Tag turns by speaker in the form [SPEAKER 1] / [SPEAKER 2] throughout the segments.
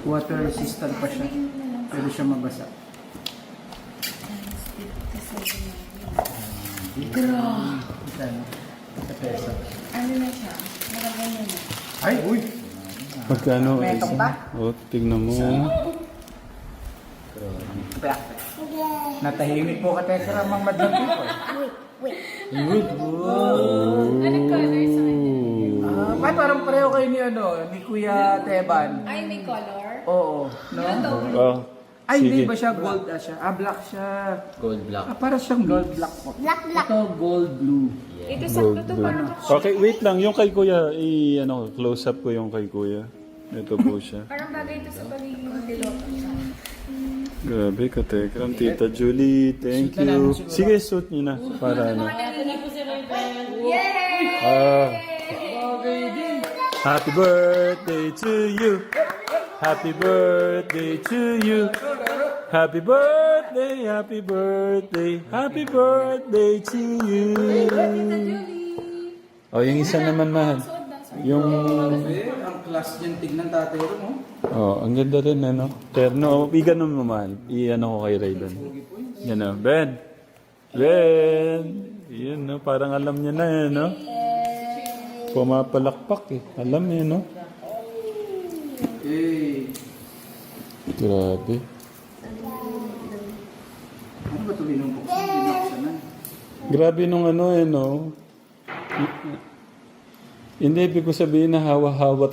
[SPEAKER 1] Water resistant pa siya. Pwede siya mabasa.
[SPEAKER 2] Grabe.
[SPEAKER 1] Sa peso.
[SPEAKER 2] Ano na siya? Nakaganyan na.
[SPEAKER 1] Ay! Uy!
[SPEAKER 3] Magkano?
[SPEAKER 1] May itong ba?
[SPEAKER 3] O, tignan mo.
[SPEAKER 1] Natahimik po ka Tekra mang madlang people.
[SPEAKER 2] Anong color sa kanya?
[SPEAKER 1] Ba't parang pareho kayo ni Kuya Teban?
[SPEAKER 2] Ay, may color?
[SPEAKER 1] Oo. No?
[SPEAKER 2] Yun daw.
[SPEAKER 3] Oh,
[SPEAKER 1] Ay, hindi
[SPEAKER 3] sige.
[SPEAKER 1] ba siya gold siya? Black siya.
[SPEAKER 4] Gold black.
[SPEAKER 1] Para siyang gold black po. Ito gold blue.
[SPEAKER 2] Ito sakto to
[SPEAKER 3] Gold
[SPEAKER 2] parang
[SPEAKER 3] Okay, wait lang. Yung kay Kuya, close up ko yung kay Kuya. Ito po siya.
[SPEAKER 2] parang bagay ito sa pagiging piloto.
[SPEAKER 3] Grabe ka, Tekram. Tita Julie, thank
[SPEAKER 1] Suit na
[SPEAKER 3] you.
[SPEAKER 1] namin siguro.
[SPEAKER 3] Sige, suit niyo na. Para ano.
[SPEAKER 2] Yay!
[SPEAKER 3] Ah, happy birthday to you. Happy birthday to you. Happy birthday, happy birthday, happy birthday to you. Oh, yung isa naman, mahal. Yung...
[SPEAKER 1] Ang class dyan, tignan tatay rin, no?
[SPEAKER 3] Oh, ang ganda rin, ano? Terno. Igan mo, mahal. I-ano ko kay Raiden. Yan o. Ben! Ben! Yan, no? Parang alam niya na, yan, no? Pumapalakpak, eh. Alam niya, no?
[SPEAKER 1] Eh,
[SPEAKER 3] Grabe.
[SPEAKER 1] ano ba ito binumbok? Binuksanan.
[SPEAKER 3] Grabe nung ano, no? Hindi, ibig ko sabihin na hawa-hawa.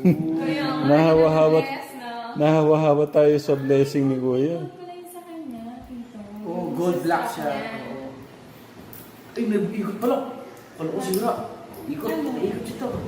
[SPEAKER 3] Nahawa-hawa tayo sa blessing ni Kuya.
[SPEAKER 2] sa kanya, ito.
[SPEAKER 1] Oo, gold black siya. Oo. Ay, may ikot pala. Kala ko sigura. Ikot siya to.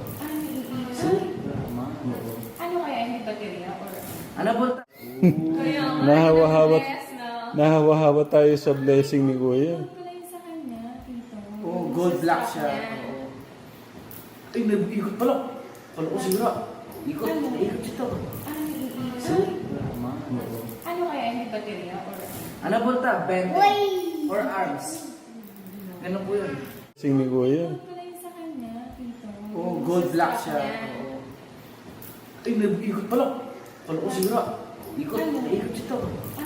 [SPEAKER 2] Ano kaya yung baterya? Or...
[SPEAKER 1] Ano ba?
[SPEAKER 2] Kaya nga,
[SPEAKER 3] Nahawa-hawa.
[SPEAKER 2] yes, no?
[SPEAKER 3] Nahawa-hawa tayo sa blessing ni Kuya.
[SPEAKER 2] sa kanya, ito.
[SPEAKER 1] Oo, gold black siya. Oo. Ay, may ikot pala. Kala ko sigura. Ikot siya to.
[SPEAKER 2] Ano kaya yung baterya? Or...
[SPEAKER 1] Ano ba ito? Bente? Or arms? Ganun po yun.
[SPEAKER 3] Blessing ni Kuya.
[SPEAKER 2] sa kanya, ito.
[SPEAKER 1] Oo, gold black siya. Oo. Ay, may ikot pala. Kala ko sigura. Ikot siya to.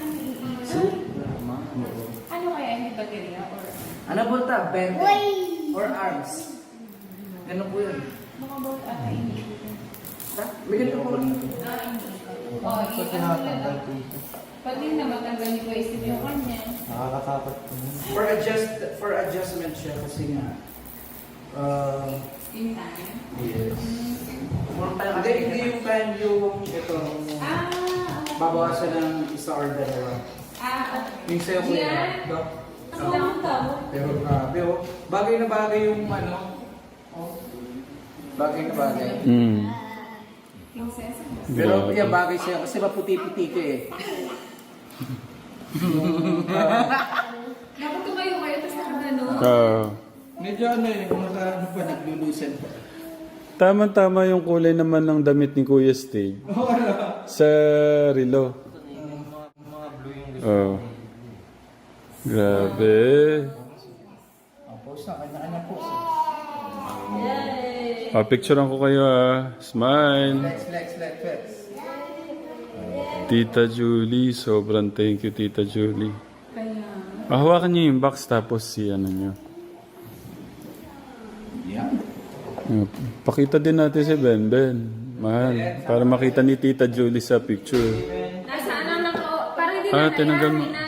[SPEAKER 2] Ano kaya yung baterya? Or...
[SPEAKER 1] Ano ba ito? Bente? Or arms? Ganun po yun.
[SPEAKER 2] Mga both ata hindi ko.
[SPEAKER 1] May ganun po.
[SPEAKER 2] Pag din na matanggal ni Kuya Steve yung kanya.
[SPEAKER 1] For adjustment siya kasi nga.
[SPEAKER 2] In time.
[SPEAKER 1] Yes. Hindi yung time yung ito. Babawasan ng isa or dalawa. Yung sa'yo ko
[SPEAKER 2] Yan.
[SPEAKER 1] yun. Ito.
[SPEAKER 2] Ang lang tao.
[SPEAKER 1] Pero grabe oh. Bagay na bagay yung ano. Oh. Bagay na bagay.
[SPEAKER 2] Princess.
[SPEAKER 1] Pero yeah, bagay siya kasi maputi-puti ka eh.
[SPEAKER 2] Dapat tumayo kayo tapos nakagano.
[SPEAKER 1] Medyo ano eh, kung ano pa naglulusen pa.
[SPEAKER 3] Tama-tama yung kulay naman ng damit ni Kuya Steve. Sa relo. Oh. Grabe.
[SPEAKER 1] Ang post na, kanya-kanya post.
[SPEAKER 3] Picturean ko kayo Smile.
[SPEAKER 1] Flex.
[SPEAKER 3] Tita Julie, sobrang thank you Tita Julie.
[SPEAKER 2] Kaya.
[SPEAKER 3] Hawakan niyo yung box tapos si ano niyo.
[SPEAKER 1] Yeah.
[SPEAKER 3] Pakita din natin si Ben. Mahal. Para makita ni Tita Julie sa picture.
[SPEAKER 2] Nasa ano na ko. Parang hindi
[SPEAKER 3] Ah,
[SPEAKER 2] na
[SPEAKER 3] tinanggal mo.
[SPEAKER 2] na